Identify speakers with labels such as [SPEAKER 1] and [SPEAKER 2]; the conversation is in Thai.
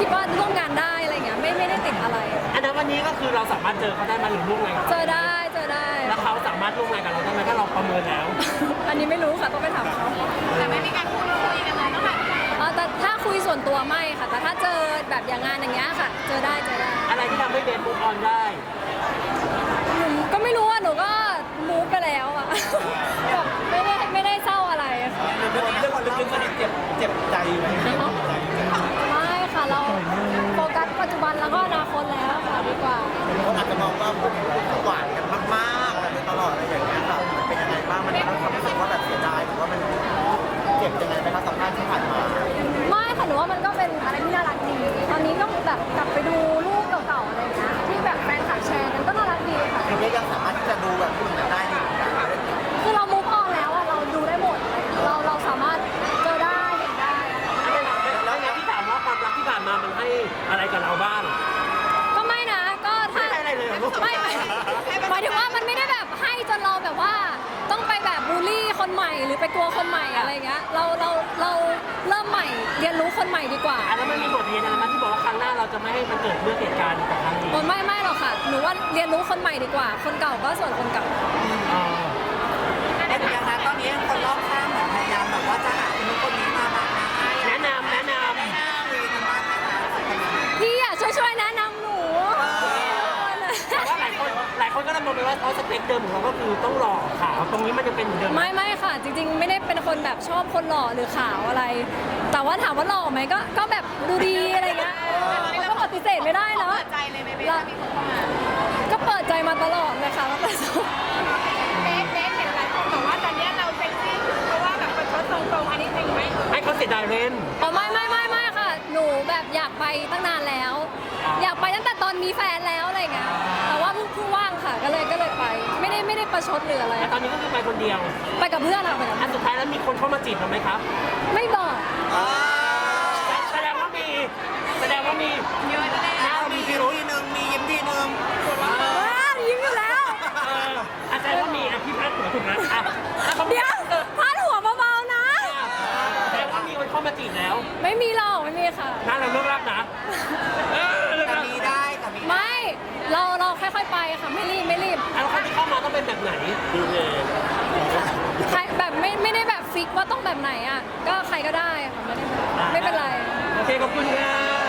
[SPEAKER 1] คิดว่าร่วมงานได้อะไรเงี้ยไม่ได้ติดอะไร
[SPEAKER 2] อันนั้นวันนี้ก็คือเราสามารถเจอเขาได้มาหรือร่วมงานกับ
[SPEAKER 1] เจอได้
[SPEAKER 2] แล้วเขาสามารถร่วมงานกับเราได้ไหมถ้าเราประเมินแล้ว
[SPEAKER 1] อันนี้ไม่รู้ค่ะต้องไปถามเขา
[SPEAKER 3] แต่ไม่มีการพูดคุยกันเลยนะคะ
[SPEAKER 1] แต่ถ้าคุยส่วนตัวไม่ค่ะแต่ถ้าเจอแบบอย่างงานอย่างเงี้ยค่ะ เจอได้
[SPEAKER 2] อะไรที่ทำให้เบนมูฟออนได้
[SPEAKER 1] หนูก็ไม่รู้ว่าหนูก็มูฟไปแล้วอ่ะแบบไม่ได้เศร้าอะไรค่ะ
[SPEAKER 4] เรื่องความลึกๆมันเจ็บใจไหม
[SPEAKER 1] ไม่ค่ะเราโฟกัสปัจจุบันแล้วก็อนาคตแล้วค่ะดีกว่า
[SPEAKER 4] คนอาจจะมองว่าพวกหวานกันมากๆอะไรตลอดอะไรอย่างเงี้ยค่ะมันเป็นยังไงบ้างมันทำให้รู้สึกว่าแบบเสียดายหรือว่ามันเจ็บยังไงไหมคะสัมภาษณ์ที่ผ่านมา
[SPEAKER 1] ไม่ค่ะหนูว่ามันก็เป็นอะไรที่น่ารักดีตอนนี้ก็แบบกลับไปดูรูปเก่าๆอะไรอย่างเงี้ยที่แบบแฟนคลับแชร์กันก็น่ารักดีค่ะ
[SPEAKER 4] คือก็ยังสามารถที่จะดูแบบผู้หญิงได้อยู่เหมือนกัน
[SPEAKER 1] คือเรามูฟออนแล้วอะเราดูได้หมดเราสามารถเจอได้เห็นได้
[SPEAKER 2] แล้วเนี่ยที่ถามว่าความรักที่ผ่านมามันให้อะไรกับเราบ้าง
[SPEAKER 1] ก็ไม่นะก็ถ้า
[SPEAKER 2] ไม่ให้อะไรเลยเหรอลูก
[SPEAKER 1] ไม่หมายถึงว่ามันไม่ได้แบบให้จนเราแบบว่าต้องไปแบบบูลลี่คนใหม่หรือไปกลัวคนใหม่อะไรเงี้ยเราเริ่มใหม่เรียนรู้คนใหม่ดีกว่า
[SPEAKER 2] แล้วมันมีบทเรียนอะไรไหมที่บอกว่าครั้งหน้าเราจะไม่ให้มันเกิดเรื่องเหตุการณ์แบบครั้งนี้
[SPEAKER 1] ไม่หรอกค่ะหนูว่าเรียนรู้คนใหม่ดีกว่า คนเก่าก็ส่วนคนเก่า
[SPEAKER 4] แต่ยังนะตอนนี้คนรอบข้างเหมือนพยายามแบบว่าจะหาคนนู้นคนนี้มาแบบให้
[SPEAKER 2] แนะนำ
[SPEAKER 4] หน้าวีกันมานะคะ
[SPEAKER 1] พี่อ่ะช่วยแนะนำหนู
[SPEAKER 2] แต่ว่าหลายคนก็ดำเนินไปว่าเพราะสเปคเดิมของเราก็คือต้องหล่อขาวตรงนี้มันจะเป็นเหมือนเดิม
[SPEAKER 1] ไม่ค่ะ จริงๆ ไม่ได้เป็นคนแบบชอบคนหล่อหรือขาวอะไร แต่ว่าถามว่าหล่อไหมก็แบบดูดีอะไรเงี้ยมันก็ปฏิเสธไม่ได้เนาะ
[SPEAKER 3] เปิดใจเลยไหมเบสถ้ามีคนเข้ามา
[SPEAKER 1] ก็เปิดใจมาตลอดเลยค่ะตั้งแต่สมัย
[SPEAKER 3] เบสเห็นหลายคนบอกว่าตอนนี้เราเซ็กซี่เพราะว่าแบบเป็นคนตรงๆอันนี้จริงไหม
[SPEAKER 2] ให้เขาเสียดายเรน
[SPEAKER 1] อ๋อไม่ค่ะ หนูแบบอยากไปตั้งนานแล้ว อยากไปตั้งแต่ตอนมีแฟนแล้วอะไรเงี้ยแต่ว่าเพิ่งว่างค่ะก็เลยไป ไม่ได้ประชดหรืออะไร
[SPEAKER 2] แต่ตอนนี้ก็คือไปคนเดียว
[SPEAKER 1] ไปกับเพื่อนค่ะไปกับ
[SPEAKER 2] อั
[SPEAKER 1] เพื่อน
[SPEAKER 2] นสุดท้ายแล้วมีคนเข้ามาจีบเราไหมครับ
[SPEAKER 1] ไม่บอก
[SPEAKER 2] แสดงว่ามี
[SPEAKER 3] เยอะแน่
[SPEAKER 2] หน้ามีพิรุธ
[SPEAKER 4] ทีนึงมียิ้มทีนึง
[SPEAKER 1] ว้าวยิ้มอยู่แล้ว
[SPEAKER 2] แสดงว่ามีพี่พัดหัวถูกนะ
[SPEAKER 1] เดี๋ยวพาดหัวเบาๆนะ
[SPEAKER 2] แสดงว่ามีคนเข้ามาจีบแล้ว
[SPEAKER 1] ไม่มีหรอกไม่มีค่ะ
[SPEAKER 2] น่าเราเลิกรักนะเลิก
[SPEAKER 4] แต่
[SPEAKER 2] รัก
[SPEAKER 4] มีได้แต่มี
[SPEAKER 1] ไม่เราค่อยๆไปค่ะไม่รีบ
[SPEAKER 2] แล้วคนที่เข้ามาต้องเป็นแบบไหนดูเลย
[SPEAKER 1] ใครแบบไม่ได้แบบฟิกว่าต้องแบบไหนอ่ะก็ใครก็ได้ค่ะไม่เป็นไร
[SPEAKER 2] โอเคขอบคุณครับ